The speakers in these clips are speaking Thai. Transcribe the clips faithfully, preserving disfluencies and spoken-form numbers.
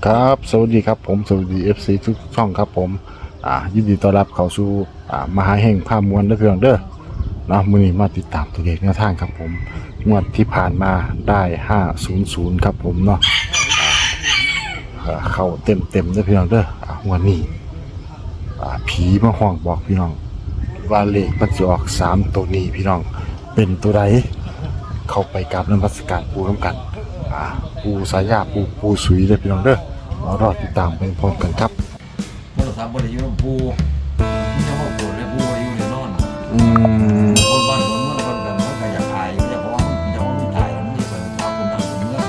ครับสวัสดีครับผมสวัสดี เอฟ ซี ทุกช่องครับผมอ่ายินดีต้อนรับเข้าสู่อ่ามหาแห่งภาพมวลเด้อพี่น้องเด้อเนาะมื้อนี้มาติดตามตัวเลขแนวทางครับผมงวดที่ผ่านมาได้ห้าศูนย์ศูนย์ครับผมเนาะอ่าเข้าเต็มเต็มเด้อพี่น้องเด้ออ่างวดนี้อ่าผีมาห้องบอกพี่น้องว่าเลขมันจะออกสามตัวนี้พี่น้องเป็นตัวใดเข้าไปกราบนมัสการปูน้ำกันอ่าปูสายาปูปูสุยเด้อพี่น้องเด้อมารอติดตามไปพร้อมกันครับโทรศัพท์บริยุทธ์ปูมันจะมาปวดเลยปูอายุเนี่ยนอนอืมคนบ้านคนเมืองคนกันมันก็อยากอายอยากเพราะว่ามันจะว่ามันตายมันมีส่วนความคนบ้านคนเมือง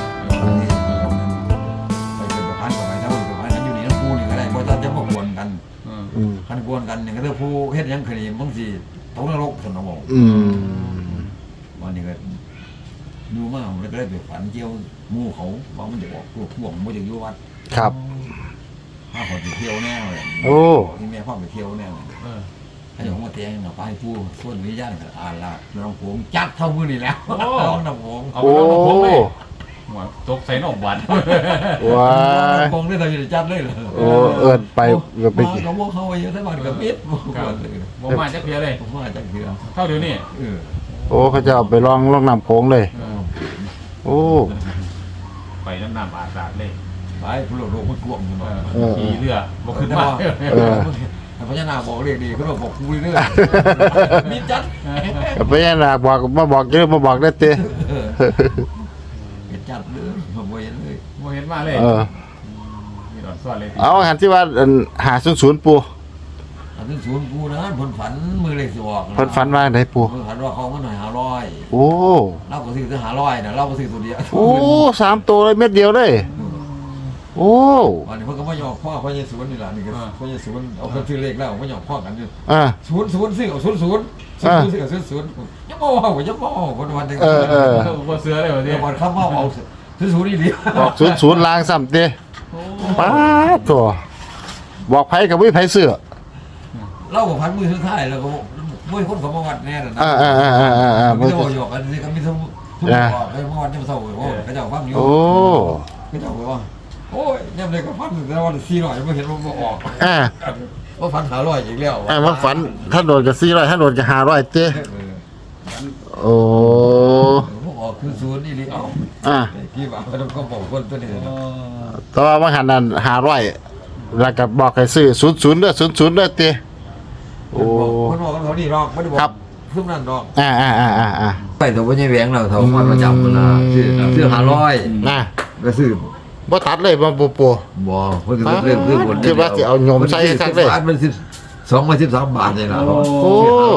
ไปเป็นประพันธ์กับไปถ้าเป็นประพันธ์นั้นอยู่นี่น้ำปูนี่ก็ได้เพราะถ้าจะมากวนกันคันกวนกันอย่างก็เรื่องปูเฮ็ดยังคดีบางทีตกนรกสนองอืมวันนี้ก็ดูมากแล้วก็ได้ไปฝันเกี่ยวมู่เขาว่ามันจะบอกพวกพวกมันจะอยู่วัดครับถ้าคนไปเที่ยวแน่เลยโอ้ที่แม่พ่อไปเที่ยวแน่เลยถ้าอย่างว่าเตียงเราไปพูดส่วนวิญญาณก็อ่านละน้องผมจัดเท่ามือนี่แล้วน้องน้องผมเอาไปน้องผมเลยหัวตกใส่นอกบัตรว้าคงได้เราจะจัดเลยเหรอโอ้เอิญไปก็ไปเขาบอกเขาเยอะทั้งวันกับมิดผมมาจากเพียเลยผมมาจากเพียเท่าเดี๋ยวนี้โอ้เขาจะเอาไปลองลองน้ำโค้งเลยโอ้ไปน้ำน้ำอาสาเลยไปผู้หลงโลกมันกวงอยู่หน่อยขี่เรือบอกขึ้นมาพญานาคบอกเรียกดีเขาบอกกูเรื่อยมีจัดพญานาคบอกมาบอกเยอะมาบอกได้เต้จัดเลยผมเห็นเลยผมเห็นมาเลยมีหลอดสวดเลยเอาหันที่ว่าหาศูนย์ศูนย์ปูหาศูนย์ศูนย์ปูนะผลฝันมือเล็กสวอกผลฝันว่าไหนปูผลฝันว่าเขามาหน่อยหาร้อยโอ้เราก็ซื้อจะหาร้อยนะเราก็ซื้อตัวเดียวโอ้สามตัวเลยเม็ดเดียวเลยโอ้วันนี้เพิ่งก็มาหยอกพ่อพ่อเยซูนี่แหละนี่ก็พ่อเยซูเอาคนซื้อเลขแล้วมาหยอกพ่อกันอยู่อ่าศูนย์ศูนย์ซื้อเอาศูนย์ศูนย์ศูนย์ซื้อเอาศูนย์ศูนย์ยังบ่เอายังบ่เอาคนวันหนึ่งเออเออพอเสือเลยวันนี้วันข้ามว่าเอาศูนย์ศูนย์นี่ดีบอกศูนย์ศูนย์ล้างซ้ำเต้ป้าตัวบอกไผ่กับวิไผ่เสือเล่ากับพันมือสุดท้ายแล้วก็ไม่คนเขามาวัดแน่นะอ่าอ่าอ่าอ่าอ่าไม่ต้องหยอกกันนี่ก็มีทุกทุกบอกให้มาวัดจะมาเศร้าโอ้ก็จะฟังอยู่โอ้ก็จะบอกว่าโอ้ยเนี่ยเลยก็ฟันแต่วันสี่ร้อยไม่เห็นว่าออกอ่าว่าฟันหาร้อยอีกแล้วอ่าว่าฝันถ้าโดนกับสี่ร้อยถ้าโดนกับห้าร้อยเต้โอ้ออกคือศูนย์นี่ดิเอาอ่าพี่บ่าวก็ต้องก็บอกคนตัวนี้แต่ว่าว่าหันนั้นห้าร้อยแล้วก็บอกให้ซื้อศูนย์ศูนย์เด้อศูนย์ศูนย์เด้อเต้โอ้คนบอกเขาดีรอกไม่ได้บอกซึ่งนั่นรอกอ่าอ่าอ่าอ่าอ่าไปตัวไม่ใช่แหวงเราเท่ามาประจำนะซื้อซื้อห้าร้อยนะก็ซื้อบ่ทัดเลยบ่ปูปูบ่เพิ่นก็เรื่องเรื่องบนคิดว่าสิเอาโยมใส่ซักเลยมันสิบสองมาสิบสามบาทนี่ล่ะโอ้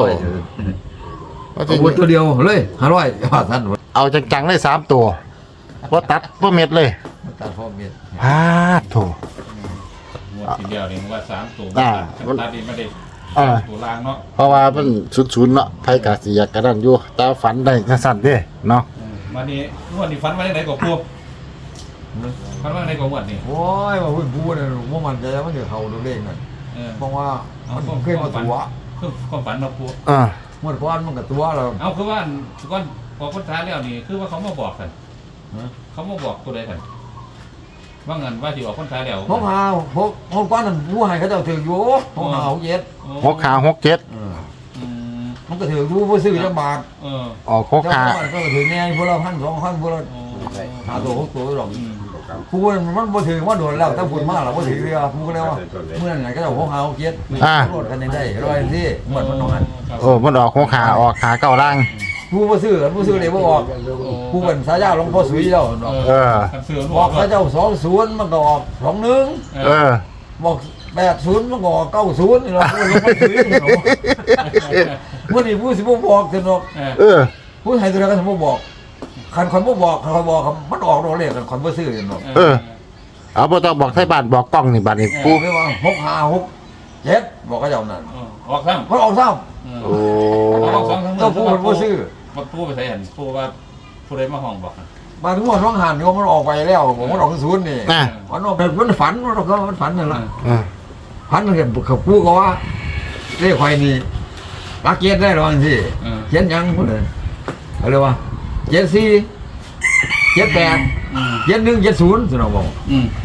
เอาตัวเดียวเลยห้าร้อยว่าท่านเอาจังๆเลยสามตัวบ่ตัดบ่เม็ดเลยตัดพ่อเม็ดฮาโถหมดทีเดียวนี่ว่าสามตัวตัดดีไม่ได้ตัวล่างเนาะเพราะว่ามันศูนย์ๆเนาะไผก็สิอยากกระนั้นอยู่แต่ฝันได้จังซั่นเด้เนาะวันนี้วันนี้ฝันว่าได้กว่าปูฝันว่าได้กว่าวันนี้โอ้ยว่าพูดพูดน่ะบ่มั่นใจมันสิเข้าตัวเลขน่ะเพราะว่ามันเคยมาตัวคือความฝันเราปูอ่าหมดก้อนมันก็ตัวเราเอาคือว่าก้อนพอคนท้ายแล้วนี่คือว่าเขามาบอกกันเขามาบอกตัวใดกันว่าเงินว่าที่ออกคนท้ายแล้วพกหาพกพกก้อนนั้นผู้ให้เขาเจ้าถืออยู่พกหาหกเจ็ดหกหาหกเจ็ดมันก็ถือรู้ผู้ซื้อจังบาทเอออ๋อหกหาก็ถือแน่พวกเราพันสองพันพวกเราหาตัวหกตัวหรอกผู้มันบ่ถือว่าโดนแล้วถ้าพูดมากเราบ่ถือเลยผู้ก็แล้วว่าเมื่อไหร่ก็จะพกหาหกเจ็ดรถกันได้ร้อยสิเหมือนมันนอนโอ้มันออกหกหาออกหาเก้าล่างผู้บ่ซื้อผู้ซื้อเลยบ่ออกผู้เป็นสายาหลวงพ่อสุยเจ้าเออบอกเขาเจ้าสองศูนย์มันก็ออกสองหนึ่งเออบอกแปดศูนย์มันก็ออกเก้าศูนย์นี่เราผู้หลวงพ่อสุยเนาะเมื่อนี้ผู้สิบ่บอกกันเนาะเออผู้ให้ตัวนั้นก็บ่บอกคันคนบ่บอกคันบอกมันออกโดนเลขกันคนบ่ซื้อเนาะเออเอาบ่ต้องบอกไทบ้านบอกกล้องนี่บัดนี้ปู่ไม่ว่าหกห้าหกเจ็ดบอกเขาเจ้านั่นออกซ้ำมันออกซ้ำโอ้ก็ผู้คนบ่ซื้อมาผู้ไปใส่เห็นผู้ว่าผู้ใดมาห้องบอกมาถึงว่าร้องหันโยมมันออกไปแล้วผมมันออกศูนย์นี่มันออกมันฝันมันออกมันฝันนั่นแหละฝันมันเห็นเขาพูดก็ว่าเรียกใครนี่รักเกียรติได้หรอสิเขียนยังพูดเลยอะไรวะเจ็ดสี่เจ็ดแปดเจ็ดหนึ่งเจ็ดศูนย์สิเราบอกบ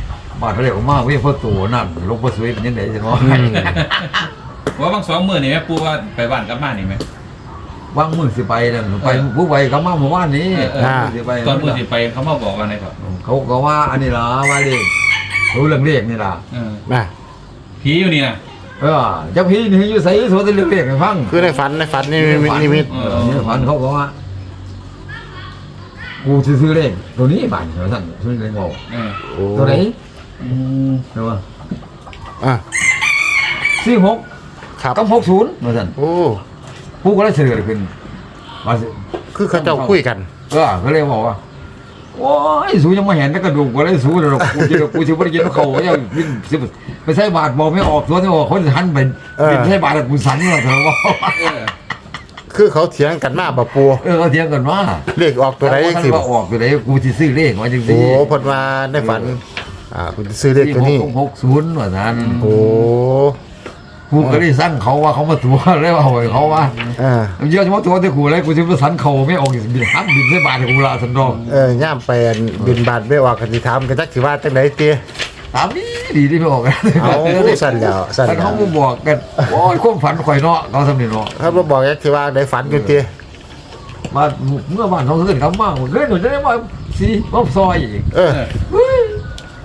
บาดเขาเรียกว่าเว้ยพ่อตัวนั่นลงพ่อสวยเป็นยังไงจังวะว่าบางสองมื้อนี่แม่ปูว่าไปบ้านกลับมานี่แม่วางมือสิไปนั่นไปผู้ไปเขามาเมื่อวานนี้สิไปตอนมื้อสิไปเขามาบอกกันได้ครับเขาก็ว่าอันนี้ล่ะว่าเลขรู้เรื่องเลขนี่ล่ะเออนะผีอยู่นี่นะเออเจ้าพี่นี่อยู่ใส่สวนแต่เรื่องเลขให้ฟังคือในฝันในฝันนี่มีนิมิตเออนี่ฝันเขาก็ว่ากูสิซื้อเลขตัวนี้บ้านเขาสั่นซื้อเลขบอกเออโอ้ตัวไหนอืมเห็นป่ะอ่ะสี่หกครับกับหกศูนย์มาสั่นโอ้ผู้ก็เลยเฉลยขึ้นมาสิคือเขาเจ้าคุยกันเออก็เลยบอกว่าโอ้ยสูยังมาเห็นแต่กระดูกก็เลยสูเลยหรอกกูจะกูจะไม่ได้กินเขาก็ยังบินสิไปใส่บาทบอกไม่ออกตัวนี่บอกเขาจะหันไปบินใส่บาทกูสั่นนี่เถอะว่าเออคือเขาเถียงกันมาบ่ปูเออเขาเถียงกันว่าเลขออกตัวไหนสิสิว่าออกตัวไหนกูจะซื้อเลขมาจริงๆโอ้เพิ่นว่าในฝันอ่าคุณซื้อเลขตัวนี้หกศูนย์ว่าท่านโอ้กูก็เลยสั่งเขาว่าเขามาตัวเลยว่าหวยเขาว่าอ่าเยอะเฉพาะตัวที่กูเลยกูจะไปสั่นเขาไม่ออกบินหันบินใส่บาทกูละสันดองเออย่ามไปอันบินบาทไม่ออกกันสิถามกันจักสิว่าจังได๋ติตามนี้ดีที่ไม่ออกกันเอาสั่นแล้วสั่นท่านแล้เขาวมาบอกกันโอ้ยความฝันข่อยเนาะเขาสำเนียงเนาะเขาบ่บอกจักสิว่าได้ฝันอยู่ติมาเมื่อบ้านเขาขึ้นเขามากเฮ้ยหนูจะได้มาสีมาซอยอีกเออเฮ้ย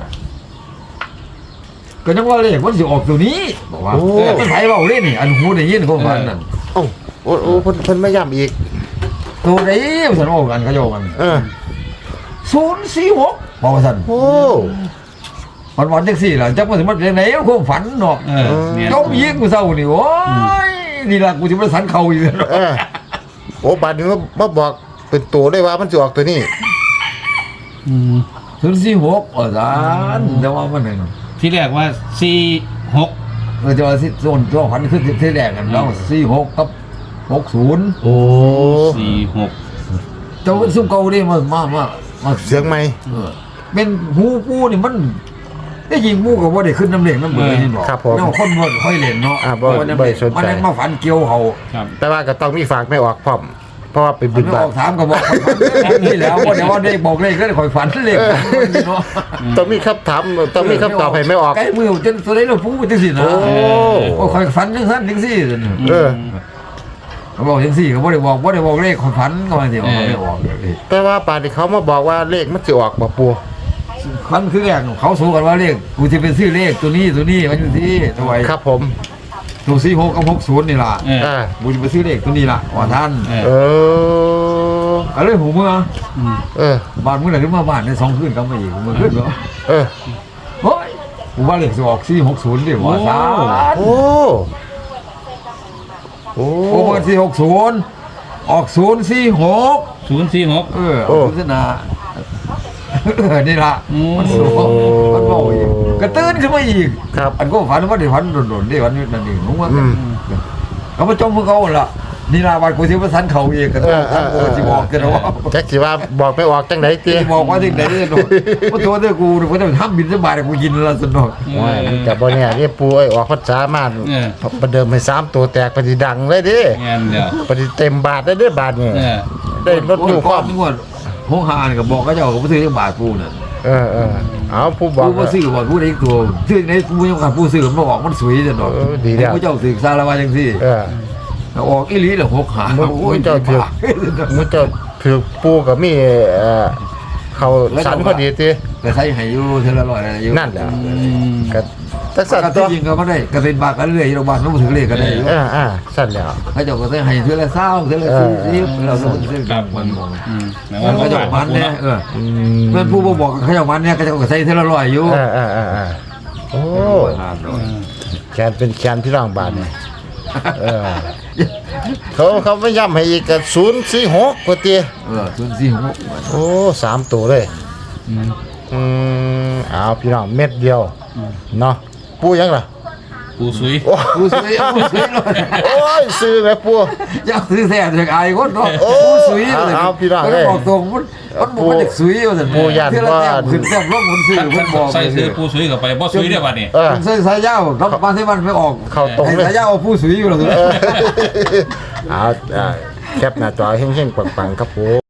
ก็ยังว่าเลขมันสิออกตัวนี้บอกว่ามันไผเบาเล่นนี่อันหูได้ยินความฝันนั่นเอ้าโอ้โอ้เพิ่นเพิ่นไม่ย้ำอีกตัวไหนสันโอ้กันเขาโยกันเออศูนย์สี่หกบอกว่าสันโอ้วันวันจังสี่ล่ะจักมันสิมันเป็นไหนความฝันเนาะเออเนี่ยจมยิงกูเศร้านี่โอ้ยนี่ล่ะกูจะมาสันเขาอีกแล้วเออโอ้บาดนี้มามาบอกเป็นตัวได้ว่ามันสิออกตัวนี้อืมศูนย์สี่หกอ๋อสันแต่ว่ามันหนึ่งที่แรกว่าสี่หกเออจะว่าสิโซนตัวฝันขึ้นที่แรกกันแล้วสี่หกกับหกศูนย์โอ้สี่หกเจ้าซุ่มเก่าดิมามามามาเสียงใหม่เออเป็นหูปูนี่มันได้ยิงมูกับว่าได้ขึ้นน้ำเหลงน้ำเบื่อนี่บอกครับผมแล้วคนบ่ค่อยเล่นเนาะอ่าบ่ว่าน้ำบ่เหลงสนใจมันนั้นมาฝันเกี่ยวเขาครับแต่ว่าก็ต้องมีฝากไม่ออกพร้อม เพราะว่าไปมับินนไม่บาอทอกถามก็บอกนี่แล้วว่าเดี๋ยวว่าได้บอกเลขก็ได้คอยฝันเลขเนาะต้องมีคำถามต้องมีคำตอบให้ไม่ออกใกล้มือจนตัวได้เราพูดจังสินะโอ้โอ้คอยฝันจังซั่นจังซี่เออเขาบอกจังซี่ก็บ่ได้บอกบ่ได้บอกเลขคอยฝันก็มาสิบอกไม่บอกเลยแต่ว่าป่านที่เขามาบอกว่าเลขมันสิออกบ่ปูฝันคือแรกเขาสู้กันว่าเลขกูจะเป็นซื้อเลขตัวนี้ตัวนี้มันอยู่ที่ตัวไว้ครับผมตัวสี่หกกับหกศูนย์นี่ล่ะเอออ่ากูจะไปซื้อเลขตัวนี้ล่ะว่าท่านเออเออก็เลยหูเมื่ออืมเออบ้านเมื่อไหร่ขึ้นมาบ้านในสองคืนก็มาอีกเมื่อคืนเนาะเออเฮ้ยกูว่าเลขสิออกสี่หกศูนย์ดิว่าท่านโอ้โอ้โอ้เบอร์สี่หกศูนย์ออกศูนย์สี่หกศูนย์สี่หกเออเอาโฆษณาเออนี่ล่ะอืมมันสูงมันเบาอีกกระตื้นขึ้นมาอีกครับอันก็ฝันว่าได้ฝันโดนๆได้ฝันนั่นเองรู้ว่าอืมเขามาจมพวกเขาล่ะนี่ล่ะวันกูสิมาสันเขาเองกันเออเออเอกูอสิบอกกันว่าจักสิว่าบอกไม่ออกจังไดติสิบอกว่าที่ไหนเนี่ยว่าตัวเด้อกูกูต้องทำบินสบายกูกินละสนุกโอ้ยมันก็บ่แน่นี่ปูไอ้ออกภาษามาเออประเดิมให้สามตัวแตกปฏิดังเลยเดิงานเดียวปฏิเต็มบาทได้เด้อบาทนี่เออได้รถโอ้ตู้ยคก้อวาน มนึกว่าห้องหานก็บอกก็เจ้าก็บ่ซื้อจังบาทกูน่ะเออเออเอาผู้บอกกูบ่ซื้อบ่กูได้ตัวซื้อในกูยังกับผู้ซื้อมันออกมันสวยจังดอกเออดีแล้วกูเจ้าซื้อซาละว่าจังซี่เออออกอีหลีละหกหามึงโอ้ยมึงเจ้าถือ มึงเจ้าถือปูก็มีเอ่อเขาสันพอดีติก็ใช้ให้อยู่เท่าละร้อยอยู่นั่นแหละอืมก็ตักสัสั่ตนว์ตัที่วจริงก็บ่ได้ก็เป็นบาทกันเรื่อยโรงพยาบาลมันบ่ถึงเลขก็ได้อยู่เอออ่าสั่นแล้วเขาเจ้าก็ใช้ให้เท่าละเศร้าเท่าละสี่สิบเราต้องซื้อครับมันมองอืมแม้มันว่าก็เจ้ามันเนี่ยเอออืเพื่อนผู้บ่บอกเขาเจ้ามันเนี่ยก็เจ้าก็ใช้เท่าละร้อยอยู่เออเออเออเออโอ้แขนเป็นแขนพี่น้องบาทนี่เออเขาเขาไม่ย้ำให้อีกกับศูนย์สี่หกกว่าเตียเออศูนย์สี่หกโอ้สามตัวเลยอืมอืมเอาพี่น้องเม็ดเดียวเนาะปูยังล่ะปูซุยโอ้ผู้ซื้อผู้ซื้อเลยโอ้ยซื้อแม่ปูอยากซื้อแท้จากอายคนเนาะโอ้ผู้ซื้อเลยเอาพี่น้องก็เอ้ยบอกตรงมันมันบอกว่าเด็กซื้อว่าซั่นผู้ยันเท่าละแต้มว่าขึ้นแต้มลงคนซื้อท่านเพิ่นบอกใส่ซื้อปูซุยกับไปบ่ซุยได้บัดนี้เออใส่สายยาวรับมาที่มันไม่ออกเข้าตรงเลยให้สายยาวเอาผู้ซื้ออยู่แล้วเออเอาอ่าแคปหน้าจอเฮงๆปังๆครับผม